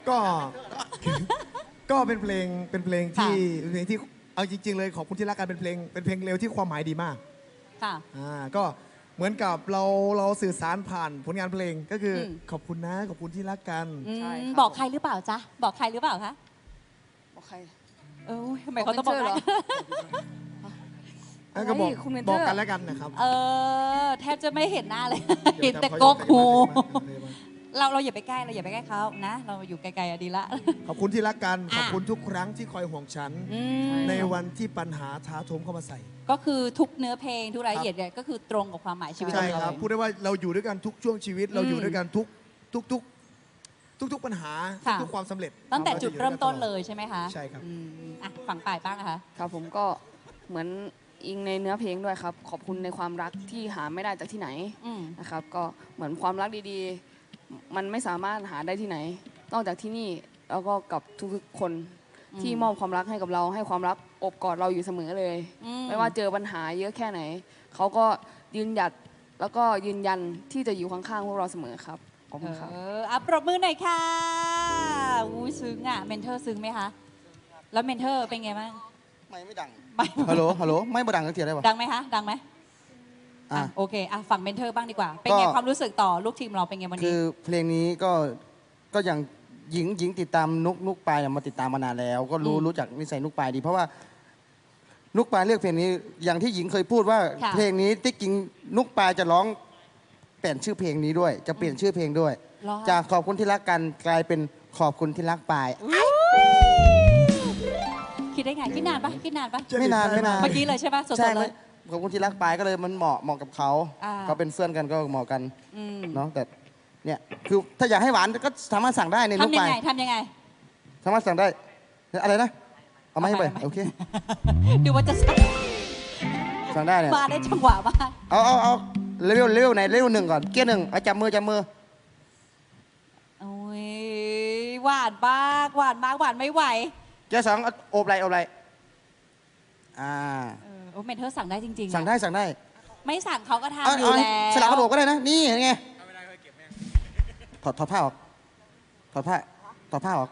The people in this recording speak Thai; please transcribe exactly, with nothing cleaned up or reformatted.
ก็ก็เป็นเพลงเป็นเพลงที่เป็นเพลงที่เอาจริงๆเลยขอบคุณที่รักกันเป็นเพลงเป็นเพลงเร็วที่ความหมายดีมากค่ะอ่าก็เหมือนกับเราเราสื่อสารผ่านผลงานเพลงก็คืออขอบคุณนะขอบคุณที่รักกันอืมใช่ครับบอกใครหรือเปล่าจ๊ะบอกใครหรือเปล่าคะบอกใครเออทำไมเขาต้องบอกบอกเมนเทอร์เหรอแล้วก็บอกอะไรคุณเมนเทบออร์กกันแล้วกันนะครับเออแทบจะไม่เห็นหน้าเลยดี๋เห็ยนวแต่จำกกหูเขาจะมาเราเราอย่าไปใกล้เราอย่าไปใกล้เขานะ เราอยู่ไกลๆอะดีละขอบคุณที่รักกันอ่ะขอบคุณทุกครั้งที่คอยห่วงฉันอืมในวันที่ปัญหาท้าโถมเข้ามาใส่ก็คือทุกเนื้อเพลงทุกรายละเอียดเนี่ยก็คือตรงกับความหมายชีวิตใช่เราครับเลยพูดได้ว่าเราอยู่ด้วยกันทุกช่วงชีวิต เราอยู่ด้วยกันทุกทุกทุกทุกทุกปัญหาค่ะทุกความสำเร็จตั้งแต่าะจุดอยู่เริ่มต้นวเลกัยใช่ไหมคะใช่ครับอืมอ่ะฝั่งป่ายบ้างนะคะครับผมก็เหมือนอิงในเนื้อเพลงด้วยครับ ขอบคุณในความรักที่หาไม่ได้จากที่ไหนอืมนะครับ ก็เหมือนความรักดีๆ มันไม่สามารถหาได้ที่ไหน นอกจากที่นี่แล้วก็กับทุกๆคนอืมที่มอบความรักให้กับเราให้ความรักอบกอดเราอยู่เสมอเลยอืไม่ว่าเจอปัญหาเยอะแค่ไหน เขาก็ยืนหยัดแล้วก็ยืนยันที่จะอยู่ข้างๆพวกเราเสมอครับขอบคุณครับเอออ่ะปรบมือหน่อยค่ะอู้ซึ้งอ่ะเมนเทอร์ซึ้งไหมคะแล้วเมนเทอร์เป็นไงบ้างไม่ไม่ดังไม่ฮัลโหล ฮัลโหล ไม่บ่ดังสักทีได้ปะดังไหมคะดังไหมอ่ะอ่ะโอเคอ่ะฝั่งเมนเทอร์บ้างดีกว่า เป็นไงก็ความรู้สึกต่อลูกทีมเราเป็นไงวันคืนี้อเพลงนี้ก็ ก็อย่างหญิงหญิงติดตามนุกนุกปายเนี่ยมาติดตามมานานแล้ว ก็รู้อืมรู้จักนิสัยนุกปายดี เพราะว่า นุกปายเลือกเพลงนี้ อย่างที่หญิงเคยพูดว่าค่ะเพลงนี้ที่จริงนุกปายจะร้องเปลี่ยนชื่อเพลงนี้ด้วย จะเปลี่ยนชื่อเพลงด้วยเหรอจากขอบคุณที่รักกันกลายเป็นขอบคุณที่รักปายคิดได้ไงคิดนานปะคิดนานปะไม่นานไม่นานเมื่อกี้เลยใช่ปะสดใช่ๆไหเลมยขอบคุณที่รักปายก็เลยมันเหมาะเหมาะกับเขาอ่าเขาเป็นเพื่อนกันก็เหมาะกันอืมเนาะแต่เนี่ยคือถ้าอยากให้หวานก็สามารถสั่งได้ในนุกทำยัปาง ยไงทำยังไงสามารถสั่งได้อะไรนะ เอามาให้ไปเอาไปโอเคดูว่าจะสั่งสั่งได้เนี่ยมาได้จังหวะมากเอาเอาเอาเลเวลเลเวลไหนเลเวลหนึ่งก่อนเกียร์หนึ่งเอาจับมือจับมือโอ้ยหวานมากหวานมากหวานไม่ไหวเกียร์สองเอาโอบไหลโอบไหลอ่าเออโอ้เมนเทอร์สั่งได้จริงๆอะสั่งได้สั่งได้ไม่สั่งเขาก็เอาทำอยู่เอาแล้วสลับกระโดดก็ได้นะนี่เห็นไงถอดถอดผ้าออกถอดผ้าถอดผ้าออก